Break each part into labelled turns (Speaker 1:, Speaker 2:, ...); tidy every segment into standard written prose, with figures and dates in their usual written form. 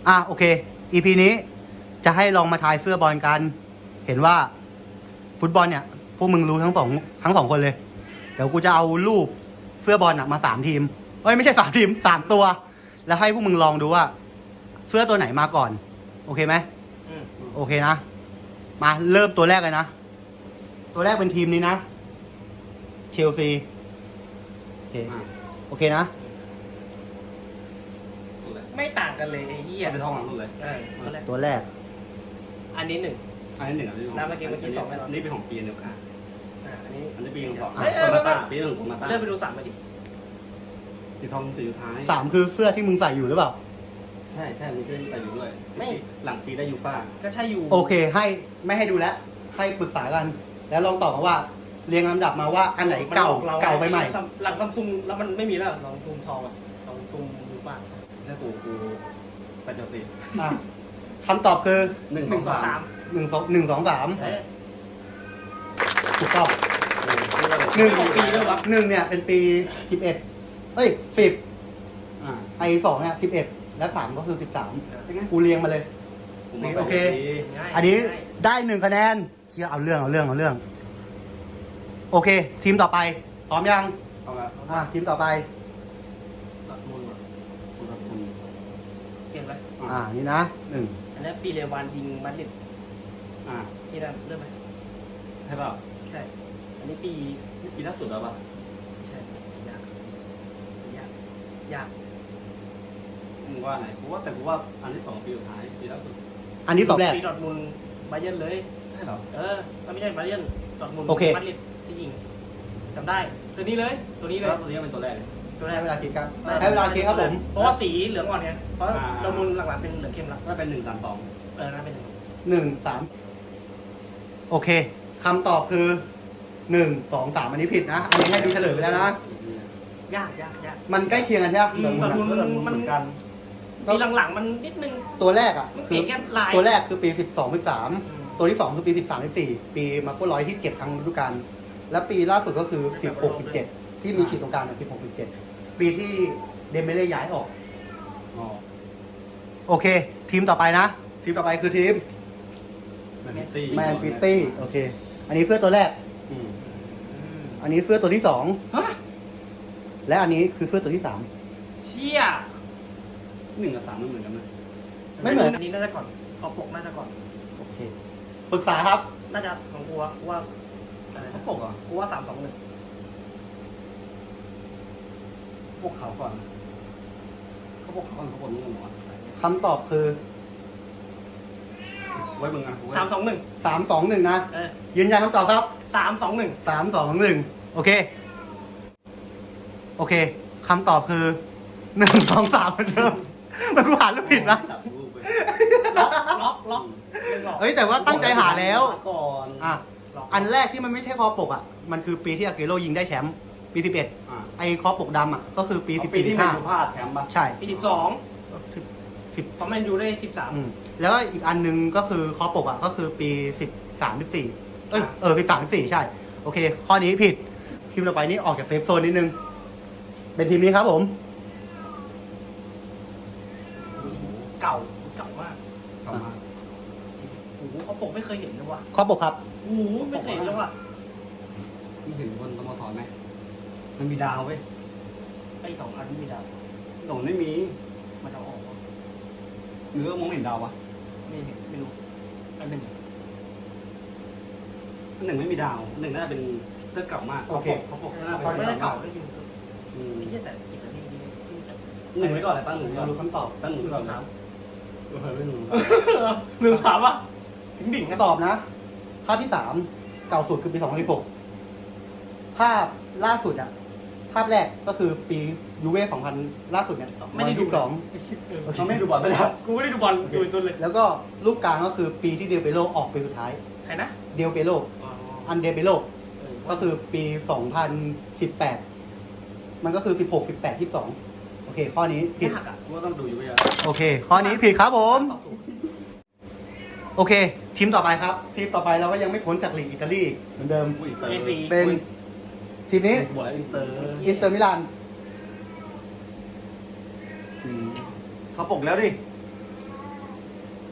Speaker 1: โอเค EP นี้จะให้ลองมาทายเสื้อบอลกัน เห็นว่าฟุตบอลเนี่ยพวกมึงรู้ทั้งสองคนเลย เดี๋ยวกูจะเอารูปเสื้อบอลมา3 ทีมไม่ใช่3 ทีม3 ตัว แล้วให้พวกมึงลองดูว่าเสื้อตัวไหนมาก่อน โอเคไหมโอเคนะ มาเริ่มตัวแรกเลยนะ ตัวแรกเป็นทีมนี้นะ เชลซีโอเคนะ
Speaker 2: ไม่ต่างกันเลยไอ้เหี้ย
Speaker 3: เป็นท้องหลังสุดเลย
Speaker 1: ตัวแรก
Speaker 2: อันนี้1
Speaker 3: อันนี้หนึ่งอันนี้
Speaker 2: แล้วเมื่อกี้สองไปแล้ว
Speaker 3: นี่เป็นของปีเดียวกัน
Speaker 2: อันนี้
Speaker 3: อันนี้ปีของสอง
Speaker 2: เอ้ย
Speaker 3: โคมาต้าปีหนึ่งโคมาต้า
Speaker 2: เริ่มไปดู3มาดิ
Speaker 3: สีทองสีสุดท้าย
Speaker 1: 3 คือเสื้อที่มึงใส่อยู่หรือเปล่า
Speaker 3: ใช่มีเส้นแต่อยู่ด้วยหลังปีได้ยูฟ่า
Speaker 2: ก็ใช่อยู่
Speaker 1: โอเคให้ไม่ให้ดูแล้ว ให้ปรึกษากัน แล้วลองตอบมาว่า เรียงลำดับมาว่าอันไหนเก่าไปใหม่
Speaker 2: หลังซัมซุงแล้วมันไม่มีแล้วลองซูมทองอ่ะลองซูมดูป่ะ
Speaker 3: ถ้ากูไปเชลซี
Speaker 1: อ่ะคำตอบคือ
Speaker 3: 1
Speaker 2: 1 2 3
Speaker 1: 1 2 3ถูกต้อง
Speaker 2: ปีด้วยวะ
Speaker 1: 1เนี่ยเป็นปี1110ไอ2เนี่ย11และ3ก็คือ13กูเรียงมาเลย โอเค อันนี้ได้1 คะแนนเชี่ยเอาเรื่องโอเค ทีมต่อไปพร้อมยัง
Speaker 3: เอาละ
Speaker 1: ทีมต่อไป
Speaker 2: ดอร์ทมุนด์ว่ะ
Speaker 3: คุณรับคุณ
Speaker 2: เปลี่ยนไหม
Speaker 1: นี่นะ1
Speaker 2: อันนี้ปีเรวานยิงมาดริด
Speaker 3: อ่า
Speaker 2: ที่นั่นเริ่มไหม
Speaker 3: ใช่เปล่า
Speaker 2: ใช่ อันนี้ปี
Speaker 3: นี่ปีล่าสุดแล้วป่ะ
Speaker 2: ใช่ยาก
Speaker 3: มึงว่าไหนกูว่าแต่กูว่าอันที่2ปีสุดท้ายปีล่าสุด
Speaker 1: อันนี้ตอบแรก
Speaker 2: ปีดอร์ทมุนด์บาเยิร์นเลย
Speaker 3: ใช่เหรอ
Speaker 2: ไม่ใช่บาเยิร์นดอร์ทมุนด์
Speaker 1: โอเค
Speaker 2: มาดริดที่ยิงจำได้ตัวนี้เลยตัวนี้เลย
Speaker 3: แล้วตัวนี้เป็นตัวแรกเลย
Speaker 2: ตัวแร
Speaker 1: ให้
Speaker 2: ก
Speaker 1: เวลาคิดครับให้เวลาคิดครับผม
Speaker 2: เพราะว่าสีเหลืองอ่อนไงเพราะดอร์ทมุนด์หลังๆเป็นเหลืองเข้มละ
Speaker 3: ถ้าเป็น1 3 2
Speaker 2: น่าเป็น
Speaker 1: 1 3โอเคคำตอบคือ1 2 3อันนี้ผิดนะ อันนี้ให้ดูเฉลยไปแล้วนะ
Speaker 2: ยาก
Speaker 1: มันใกล้เคียงกันใช่ไหม
Speaker 2: ดอร์ทมุนด์มัน
Speaker 3: เหมือนกัน
Speaker 2: ปีหลังๆมันนิดนึง
Speaker 1: ตัวแรกอ่ะ
Speaker 2: มันเป
Speaker 1: คื
Speaker 2: ลี่
Speaker 1: อย
Speaker 2: นแค่ลาย
Speaker 1: ตัวแรกคือปี12 13ตัวที่2คือปี13 14ปีมาโก้ร้อยที่7ทั้งฤดูกาลและปีล่าสุดก็คือ16 17ที่มีขีดตรงกลาง16 17ปีที่เดมเบเล่ย้ายออก
Speaker 3: อ๋อ
Speaker 1: โอเค ทีมต่อไปนะ ทีมต่อไปคือทีม
Speaker 3: แมนซิตี้
Speaker 1: แมนซิตี้โอเค อันนี้เสื้อตัวแรก อันนี้เสื้อตัวที่
Speaker 2: ฮะ
Speaker 1: 2และอันนี้คือเสื้อตัวที่
Speaker 2: เชี่ย
Speaker 3: 1 กับ 3มันเหมือนกันไหม
Speaker 1: ไม่เหมือน
Speaker 2: อันนี้น่าจะก่อนขอปกน่าจะก่อน
Speaker 1: 3โอเคปรึกษาครับ
Speaker 2: น่าจะของกูว่าอะไร
Speaker 3: เขา
Speaker 2: นะ
Speaker 3: ปกอ่ะ
Speaker 2: กูว่า3 2 1
Speaker 3: พวกเขาก่อนเขาปกเขาก่อนเขาปกนู่นหรอ
Speaker 1: คำตอบคือ
Speaker 3: ไว้มึงอ่ะ
Speaker 2: 3 2 1
Speaker 1: 3 2 1นะ
Speaker 2: เออ
Speaker 1: ยืนยันคำตอบครับ
Speaker 2: 3 2 1
Speaker 1: 3 2 1โอเคคำตอบคือ1 2 3เหมือนเดิมมันกูหารูปผิดนะ
Speaker 2: ล็อก
Speaker 1: เฮ้ยแต่ว่าตั้งใจหาแล้ว
Speaker 3: ก่อน
Speaker 1: อันแรกที่มันไม่ใช่คอปกมันคือปีที่อาเกโรยิงได้แชมป์ปี11ไอ้คอปกดำก็คือปี14
Speaker 3: ปีที่แมนยูพ
Speaker 1: 15
Speaker 3: ลาดแชมป์ป่ะ
Speaker 1: ใช่
Speaker 2: ปี12
Speaker 1: 10
Speaker 2: เพราะแมนยูได้
Speaker 1: แล้วก็อีกอันนึงก็คือคอปกก็คือปี13 14 13 14ใช่โอเค ข้อนี้ผิดทีมต่อไปนี้ออกจากเซฟโซนนิดนึงเป็นทีมนี้ครับผม
Speaker 2: 13เก่ามาก
Speaker 3: กลับมา
Speaker 2: โอ้โหเขาปกไม่เคยเห็นเลยว่ะ
Speaker 1: คอปกครับ
Speaker 2: โอ้โหไม่เคยเห็นเลยว่ะ
Speaker 3: ไม่เห็นบนสโมสรไหมมันมีดาวเว้ย
Speaker 2: ไอ้2 อันนี้มีดาว
Speaker 3: ตรงไม่มี
Speaker 2: มันเอาออก
Speaker 3: หรือว่ามองเห็นดาววะ
Speaker 2: ไม่เห็นไม่รู้อันหนึ่ง
Speaker 3: อัน 1ไม่มีดาว1น่าจะเป็นเสื้อเก่ามากเขาปกหน้า
Speaker 2: ไม่ได้
Speaker 3: เป็น
Speaker 2: เก่าได้ยิน
Speaker 3: อืม
Speaker 2: ไม่ใช่แต่อิตาลีนี่
Speaker 3: 1ไว้ก่อนเลยตั้ง1ไว้ก่
Speaker 1: เรา
Speaker 3: อน
Speaker 1: รู้คำตอบ
Speaker 3: ตั้ง1ไว้ก่อน
Speaker 2: 3
Speaker 3: ไม่รู้
Speaker 2: 1 3ป่ะถึงดิ่งนะ
Speaker 1: ตอบนะ ภาพที่ 3 เก่าสุดคือปี2016ภาพล่าสุดภาพแรกก็คือปียูเว่2000ล่าสุดเนี่ย
Speaker 2: ไม่ได้ดู
Speaker 1: 2022
Speaker 3: เขาไม่ดูบอลไปแล้ว
Speaker 2: กูไม่ได้ดูบอลดูตัวเลย
Speaker 1: แล้วก็รูปกลางก็คือปีที่เดลเปโลออกปีสุดท้าย
Speaker 2: ใครนะ
Speaker 1: เดลเปโลอันเดลเปโลก็คือปี2018มันก็คือ16 18 22โอเค ข้อนี้ผิด
Speaker 2: ยากอ่ะ
Speaker 3: กูว่าต้องดูอยู่เยอะ
Speaker 1: โอเค ข้อนี้ผิดครับผม
Speaker 2: ตอบถูก
Speaker 1: โอเค ทีมต่อไปครับ ทีมต่อไปเราก็ยังไม่พ้นจากลีกอิตาลีเหมือนเดิม
Speaker 3: อุ้ยเตอร์
Speaker 2: AC
Speaker 1: เป็นทีมนี้
Speaker 3: บวกอินเตอร์
Speaker 1: อินเตอร์มิลาน
Speaker 3: เขาปกแล้วดิ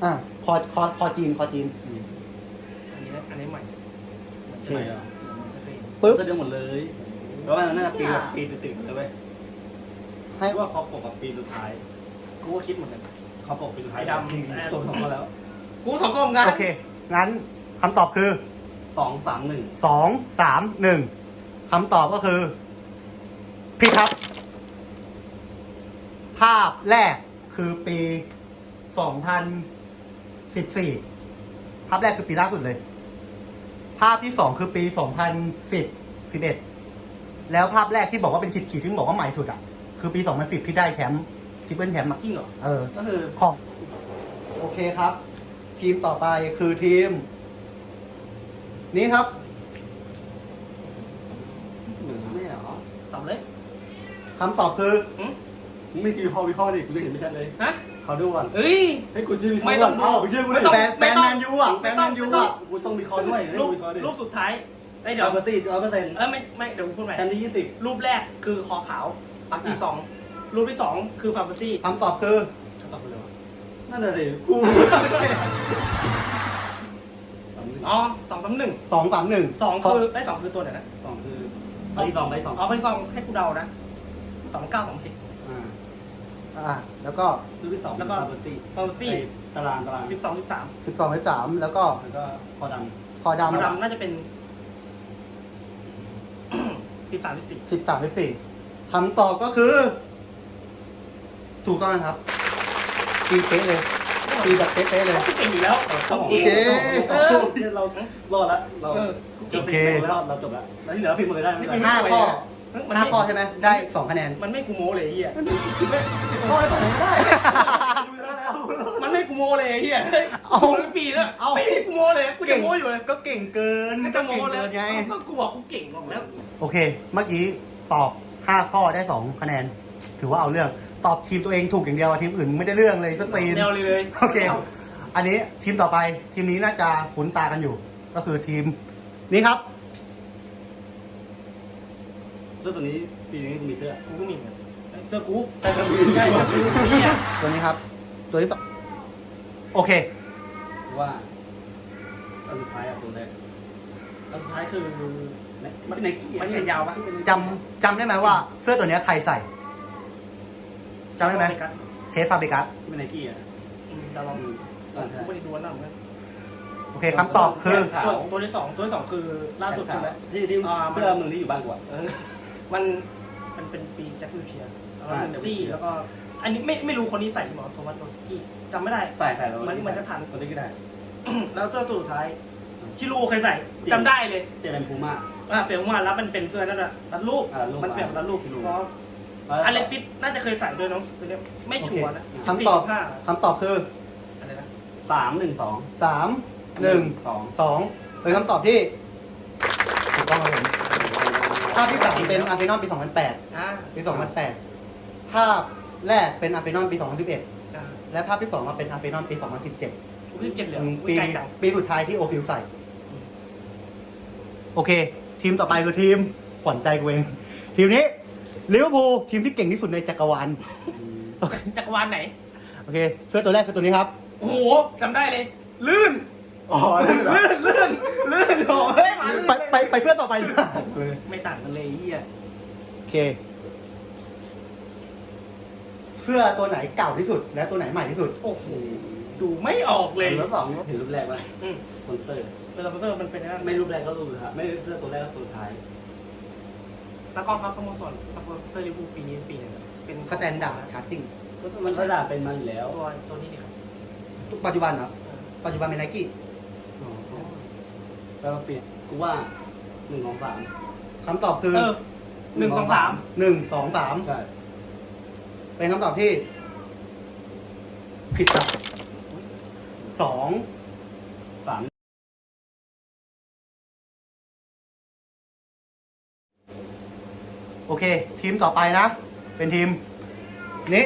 Speaker 1: อ่ะคอจีน
Speaker 2: อันนี้ใหม่เหมือนจะ
Speaker 3: ใช่
Speaker 2: ใหม่
Speaker 3: เหรอ
Speaker 2: มันจะเป็น
Speaker 1: ปึ๊บ
Speaker 3: ก็เดียวหมดเลยแล้วมันน่าจะปีแบบปีติดๆเลยเว้ย
Speaker 1: ให้
Speaker 3: ให้ว่าเขาปกกับปีสุดท้าย
Speaker 2: กูก็คิดเหมือนกัน
Speaker 3: เขาปกปีสุดท้าย
Speaker 2: ไอ้ดำ
Speaker 3: จริงๆตัวของเขาแล้ว
Speaker 2: กูสองกล้องกัน
Speaker 1: โอเค งั้นคำตอบคือ
Speaker 3: 2-3-1
Speaker 1: 2 3 1คำตอบก็คือผิดครับ ภาพแรกคือปี 2014 ภาพแรกคือปีล่าสุดเลย ภาพที่สองคือปี 2010 11 แล้วภาพแรกที่บอกว่าเป็นขีดที่บอกว่าใหม่สุดอ่ะ คือปี 2010 ที่ได้แชมป์ทริปเปิลแชมป์อ่ะ
Speaker 2: จริงเหรอ
Speaker 1: เออ
Speaker 3: ก็คือ
Speaker 1: ของ โอเคครับ ทีมต่อไปคือทีม นี้ครับ
Speaker 3: เหมือนไม่เหรอ
Speaker 2: ตอบเลย
Speaker 1: คำตอบคือ
Speaker 3: มึงไม่คิดวิเคราะห์ดิกูยังเห็นไม่ชัดเลย
Speaker 2: ฮะ
Speaker 3: เขาดูก่อน
Speaker 2: เอ้ย
Speaker 3: ให้กูชื่อวิเคราะ
Speaker 2: ไม่
Speaker 3: ห์
Speaker 2: ต้
Speaker 3: ก่
Speaker 2: อ
Speaker 3: อง นเอ้าชื่อกู
Speaker 2: ไม่
Speaker 3: ดิ
Speaker 2: ต้อง
Speaker 1: แฟนแมนยูอ่ะแฟนแมนยูอ่ะ
Speaker 3: กูต้องวิเคราะห์ด้วยให้
Speaker 2: รูป
Speaker 3: วิเคราะห์ดิ
Speaker 2: รูปสุดท้ายไอ้ยเดี๋ยว
Speaker 3: 100%
Speaker 2: ไม่เดี๋ยวกูพูดใหม่
Speaker 3: ชั้นที่
Speaker 2: รูปแรกคือคอขาวปักที่สองรูปที่สองคือฟาร์มาซี่
Speaker 1: คำตอบคือ
Speaker 2: ตอบไปเลยวะ
Speaker 3: 20นั่นแหละสิกู
Speaker 2: อ๋อ2-3-1
Speaker 1: 2 3 1
Speaker 2: สองคือไอ้ยสองคือตัวไหนนะ
Speaker 3: สองคือไปสองไปสอง
Speaker 2: เอาไปสองให้กูเดานะ29-30
Speaker 1: แล้วก็
Speaker 3: รูปที่สอง
Speaker 2: แล้วก็
Speaker 3: ฟาร์มาซี่
Speaker 2: ฟาร์มาซี่
Speaker 3: ตาราง
Speaker 2: 12-13
Speaker 1: 12 13 แล้วก็
Speaker 3: แล้วก็คอด
Speaker 1: คอด
Speaker 2: สีดำน่าจะเป็น 13-14
Speaker 1: ำ13 14คำตอบก็คือ ถูกต้องนะครับตีเป๊ะเลยตีแบบเป๊ะๆเลย
Speaker 2: ก็เก่งอยู่แล้ว
Speaker 3: ำ
Speaker 2: ของจริง
Speaker 1: โอเค
Speaker 3: เรารอดละเรา
Speaker 2: เออ
Speaker 3: เจอสิบโมงแล้วเราจบละแล้วที่เหลือพิมพ์เลยได้ไม่เป็นไร
Speaker 1: 5 ข้อ 5 ข้อใช่ไหมได้ 2 คะแนน
Speaker 2: มันไม่กูโม้เลยไอ้เฮีย
Speaker 3: ข้อให้ต่อไม่ได้ดูแล้ว
Speaker 2: มันไม่กูโม้เลยไอ้เฮีย
Speaker 1: เอา
Speaker 2: ถูกทั้งปีแล้วไม่มีกูโม้เลยกูจะโม้อยู่เลย
Speaker 1: ก็เก่งเกิน
Speaker 2: ไม่
Speaker 1: ก็
Speaker 2: จะโม้
Speaker 1: เก่ง
Speaker 2: เล
Speaker 1: เกิ
Speaker 2: ย
Speaker 1: นไง
Speaker 2: ก็กูบอกกูเก่งบอกแล้ว
Speaker 1: โอเค เมื่อกี้ตอบ 5 ข้อได้ 2 คะแนน ถือว่าเอาเรื่อง ตอบทีมตัวเองถูกอย่างเดียวทีมอื่นไม่ได้เรื่องเลยสตีน
Speaker 2: แนวเลย
Speaker 1: โอเค อันนี้ทีมต่อไป ทีมนี้น่าจะคุ้นตากันอยู่ ก็คือทีม นี้ครับ
Speaker 3: เสื้อตัวนี้ปีนี้กูมีเสื้อ
Speaker 2: กูก็มีเหมือนกันเสื้อกู
Speaker 3: แต่ก็มี
Speaker 2: ใช่เนี่ย
Speaker 1: ตัวนี้ครับ ตัวที่สองโอเค
Speaker 3: ว่าตอนสุดท้ายอะตัวแรก
Speaker 2: อันสุดท้ายคือ
Speaker 3: มันไนกี้
Speaker 2: มันแขนยาวปะ
Speaker 1: จำได้ไหมว่าเสื้อตัวเนี้ยใครใส่จำได้ไหม
Speaker 2: กัน
Speaker 1: เชฟฟาเบกัส
Speaker 3: ไม่ไนกี้อะ
Speaker 2: เราลองกูไม่ได้ดูอันนั้นเหมือนกัน
Speaker 1: โอเคคำตอบคือ
Speaker 2: ส่วนตัวที่สองคือล่าสุดใช่ไหม
Speaker 3: ที่เสื้อมึงที่อยู่บ้านกูอะ
Speaker 2: มันเป็นปีแจ็ควิลเชียร์แล้วก็เมนซี่แล้วก็ อันนี้ไม่รู้คนนี้ใส่หรือเปล่าโทมัสโตสกี้จำไม่ได้
Speaker 3: ใส่แล้ว
Speaker 2: มันจะทัน
Speaker 3: มันจะกี่ได้
Speaker 2: แล้วเสื้อตัวสุดท้าย ชิลูเคยใส่จำได้เลย
Speaker 3: เจเป็นพูม่า
Speaker 2: เปลี่ยนมาแล้วมันเป็นเสื้อนั่นแหละรัดรูป
Speaker 3: รูป
Speaker 2: มันเปลี่ยนรัดรูป
Speaker 3: ชิลู
Speaker 2: เพราะอเล็กซิสน่าจะเคยใส่ด้วยเนาะตัวเนี้ยไม่ชัวร์นะ
Speaker 1: คำตอบ
Speaker 2: 14
Speaker 1: คำตอบคือ
Speaker 2: 15อะไรนะ
Speaker 3: 3-1-2
Speaker 1: 3 1
Speaker 3: 2
Speaker 1: 2เป็นคำตอบที่ถูกต้องครับผมภาพที่สามเป็นอาร์เซนอลปี 2008 ปี 2008 ภาพแรกเป็นอาร์เซนอลปี 2011 และภาพที่สองมาเป็นอาร์เซนอลปี 2017
Speaker 2: กูเก็บเหลือ
Speaker 1: ปี
Speaker 2: ไกลจัง
Speaker 1: ปีสุดท้ายที่โอฟิลใส่ โอเค ทีมต่อไปคือทีมขวัญใจกูเอง ทีมนี้ลิเวอร์พูลทีมที่เก่งที่สุดในจักรวาลโอเค
Speaker 2: จักรวาลไหน
Speaker 1: โอเค เสื้อตัวแรกคือตัวนี้ครับ
Speaker 2: โอ้โหจำได้เลย ลื่น
Speaker 3: อ๋อ
Speaker 2: ลื่นโอ้เฮ้ยมาลื่น
Speaker 1: ไปเพื่อนต่อไปดีกว่า
Speaker 2: ไม่ต่างกันเลยไอ้เฮีย
Speaker 1: โอเค เสื้อตัวไหนเก่าที่สุด และตัวไหนใหม่ที่สุด
Speaker 2: โอ้โหดูไม่ออกเลย
Speaker 3: แล้ว2เห็นรูปแรกป่ะ
Speaker 2: อืม
Speaker 3: สปอนเซอร์
Speaker 2: เป็นสปอนเซอร์มันเป็นอะไร
Speaker 3: ไม่รูปแรกก็รูปสุดท้ายไม่เสื้อตัวแรกก็ตัวท้าย
Speaker 2: ตะกร้อครับสโมสรสปอนเซอร์ลิเวอร์พูลปีนี้ปีนึงเป็น
Speaker 1: สแตนดาร์ดชาร์จิ่ง
Speaker 3: ก็มันก็ด่าเป็นมาอยู่แล้ว
Speaker 2: ตัวนี้ดีครับ
Speaker 1: ปัจจุบันเหรอปัจจุบันเป็นไนกี้
Speaker 3: แปลว่าเปลี่ยนกูว่า1-2-3
Speaker 1: คำตอบคือ
Speaker 2: 1-2-3
Speaker 1: 1 2 3
Speaker 3: ใช่
Speaker 1: เป็นคำตอบที่ ผิดครับ2
Speaker 3: 3
Speaker 1: โอเค ทีมต่อไปนะ เป็นทีม นี้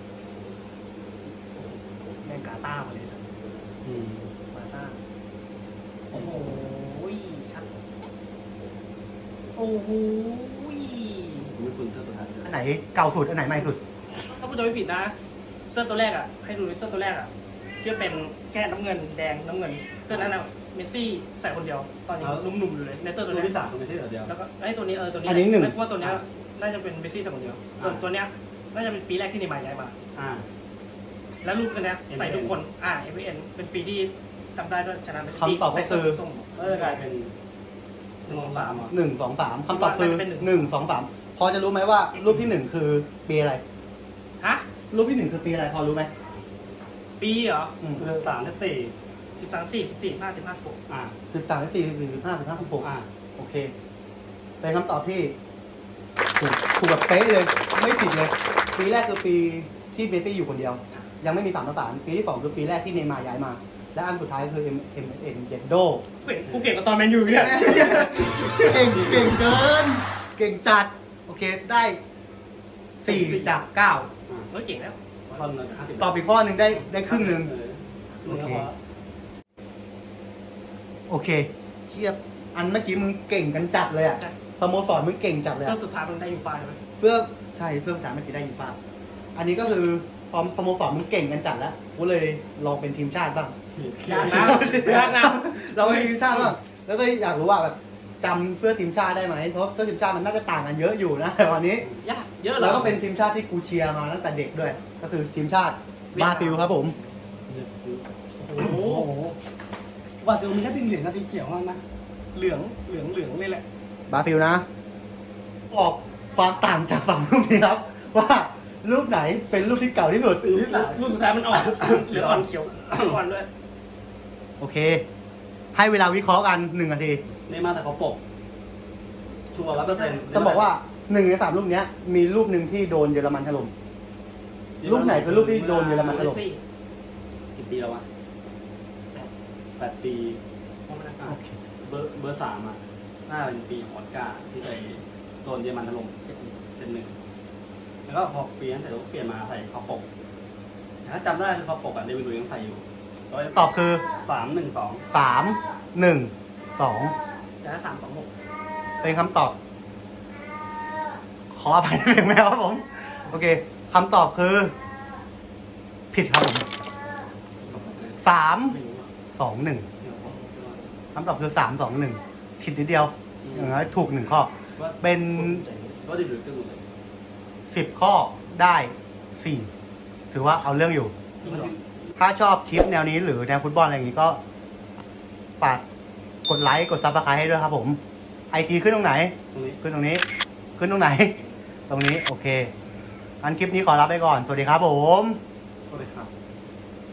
Speaker 2: แมงกาต้ามาเลยครับกาต้าโอ้โหชัดโอ้โห
Speaker 3: ไม่คุณเสื้อตัวท้าย
Speaker 1: อันไหนเก่าสุด อันไหนใหม่สุด
Speaker 2: ถ้าพูดจะไม่ผิดนะ เสื้อตัวแรกอ่ะ ให้ดูเสื้อตัวแรกอ่ะที่เป็นแค่น้ำเงินแดงน้ำเงินเสื้อนั้นนะเมสซี่ใส่คนเดียวตอนนี้หนุ่มๆอยู่เลยในเสื้อตัว
Speaker 3: ตัว
Speaker 2: นี้
Speaker 3: ที่สามไม่ใช่ตัวเดียว
Speaker 2: แล้วก็ไอ้ตัวนี้ตัวนี้
Speaker 1: อันนี้หนึ่ง
Speaker 2: ไม่ว่าตัวเนี้ยน่าจะเป็นเมสซี่ใส่คนเดียวส่วนตัวเนี้ยน่าจะเป็นปีแรกที่เนย์มาร์ย้ายมา
Speaker 3: อ่า
Speaker 2: แล้วรูปตัวเนี้ยใส่ทุกคนMVN เป็นปีที่จำได้ด้วยชนะเป็น
Speaker 1: คำตอบก็คือ
Speaker 2: ส้ม
Speaker 3: ก็จะกลายเป็น1 2 3อ่ะ
Speaker 1: 1 2 3คำตอบคือ
Speaker 2: เป็นหนึ่ง
Speaker 1: 1 2 3พอจะรู้ไหมว่ารูปที่ 1 คือปีอะไร
Speaker 2: ฮะ
Speaker 1: รูปที่ 1 คือปีอะไรพอรู้ไหม
Speaker 2: ปีเหรอ
Speaker 3: คือ3 4
Speaker 2: 13 4 14 15 15 16
Speaker 3: อ่า
Speaker 1: 13 14 15 15 16
Speaker 3: อ่า
Speaker 1: โอเค เป็นคำตอบที่ถูกแบบเป๊ะเลย ไม่ผิดเลย ปีแรกคือปีที่เมสซี่อยู่คนเดียว ยังไม่มี3 ประสานปีที่ 2 คือปีแรกที่เนย์มาร์ย้ายมา และอันสุดท้ายคือ MSN เดนโด
Speaker 2: กูเก่งกว่าตอนแมนยูเนี่ย
Speaker 1: เก่งเกิน เก่งจัด โอเค ได้4 จาก 9
Speaker 2: เฮ้ยเก่งแล้ว
Speaker 3: คนละ50
Speaker 1: ตอบอีกข้อหนึ่งได้ครึ่งหนึ่ง
Speaker 3: โอเค
Speaker 1: โอเคเทียบอันเมื่อกี้มึงเก่งกันจัดเลยอะ
Speaker 2: ใช่
Speaker 1: สโมสรมึงเก่งจัดเลย
Speaker 2: เสื้
Speaker 1: อะ
Speaker 2: อสุดท้ายมันได้ยูฟ่าใช่ไหม
Speaker 1: เพื่อใช่เพื่อภาษาเมื่อกี้ได้ยินฟ้าอันนี้ก็คือพอสโมสรมึงเก่งกันจัดแล้วกูเลยลองเป็นทีมชาติบ้าง
Speaker 2: ยากนะยากนะ
Speaker 1: เราเป็นทีมชาติบ้างแล้วก็อยากรู้ว่าแบบจำเสื้อทีมชาติได้ไหมเพราะเสื้อทีมชาติมันน่าจะต่างกันเยอะอยู่นะแต่วันนี้
Speaker 2: ยากเยอะเหรอ
Speaker 1: แล้วก็เป็นทีมชาติที่กูเชียร์มาตั้งแต่เด็กด้วย ก็คือทีมชาติบราซิลครับผม
Speaker 2: โอ้โห
Speaker 3: โอ้โหว่าจะมีแค่สีเหลืองกับสีเขียวมั้งนะ
Speaker 2: เหลืองนี่แหละ
Speaker 1: บราซิลนะ ออกความต่างจากฝั่งรูปนี้ครับ ว่ารูปไหนเป็นรูปที่เก่าที่สุด
Speaker 3: สีที่สาม
Speaker 2: รูปสุดท้ายมันออกเหลืองอ่อนเขียวอ่อนด้วย
Speaker 1: โอเค ให้เวลาวิเคราะห์กัน1 นาที
Speaker 3: นี่มาแต่เขาปก ชัวร์100%
Speaker 1: จะบอกว่า1 ใน 3 รูปเนี้ย มีรูปหนึ่งที่โดนเยอรมันถล่มรูปไหนคือรูปที่โดนเยอรมันถล่ม
Speaker 3: กี่ปีแล้ววะ8 ปี
Speaker 1: โอเค
Speaker 3: เบอร์3อ่ะน่าเป็นปีของออสการ์ที่ไปโดนเยอรมันถล่ม7-1แล้วก็พอปีนั้นเสร็จแล้วก็เปลี่ยนมาใส่คอปกแต่ถ้าจำได้คือคอปกอ่ะเดวิดลุยส์ยังใส่อยู่
Speaker 1: ตอบคือ
Speaker 3: 3-1-2
Speaker 1: 3 1 2
Speaker 2: แต่ถ้า3-2-6
Speaker 1: เป็นคำตอบ ขออภัยในเพลงแมวครับผม โอเคคำตอบคือ ผิดครับผม3 2 1คำตอบคือ3 2 1ผิดนิดเดียวอย่างน้อยถูก1 ข้อ เป็น
Speaker 3: ก็เดวิดลุยส์ก็หมดเลย
Speaker 1: 10 ข้อได้ 4 ถือว่าเอาเรื่องอยู่
Speaker 2: จริงเหรอ
Speaker 1: ถ้าชอบคลิปแนวนี้หรือแนวฟุตบอลอะไรอย่างนี้ก็ฝากกดไลค์กดซับสไครต์ให้ด้วยครับผม IG ขึ้นตรงไหน
Speaker 3: ตรงนี้
Speaker 1: ขึ้นตรงนี้ ขึ้นตรงไหน ตรงนี้ โอเคงั้นคลิปนี้ขอลาไปก่อน สวัสดีครับผม
Speaker 3: ก็เลยครับ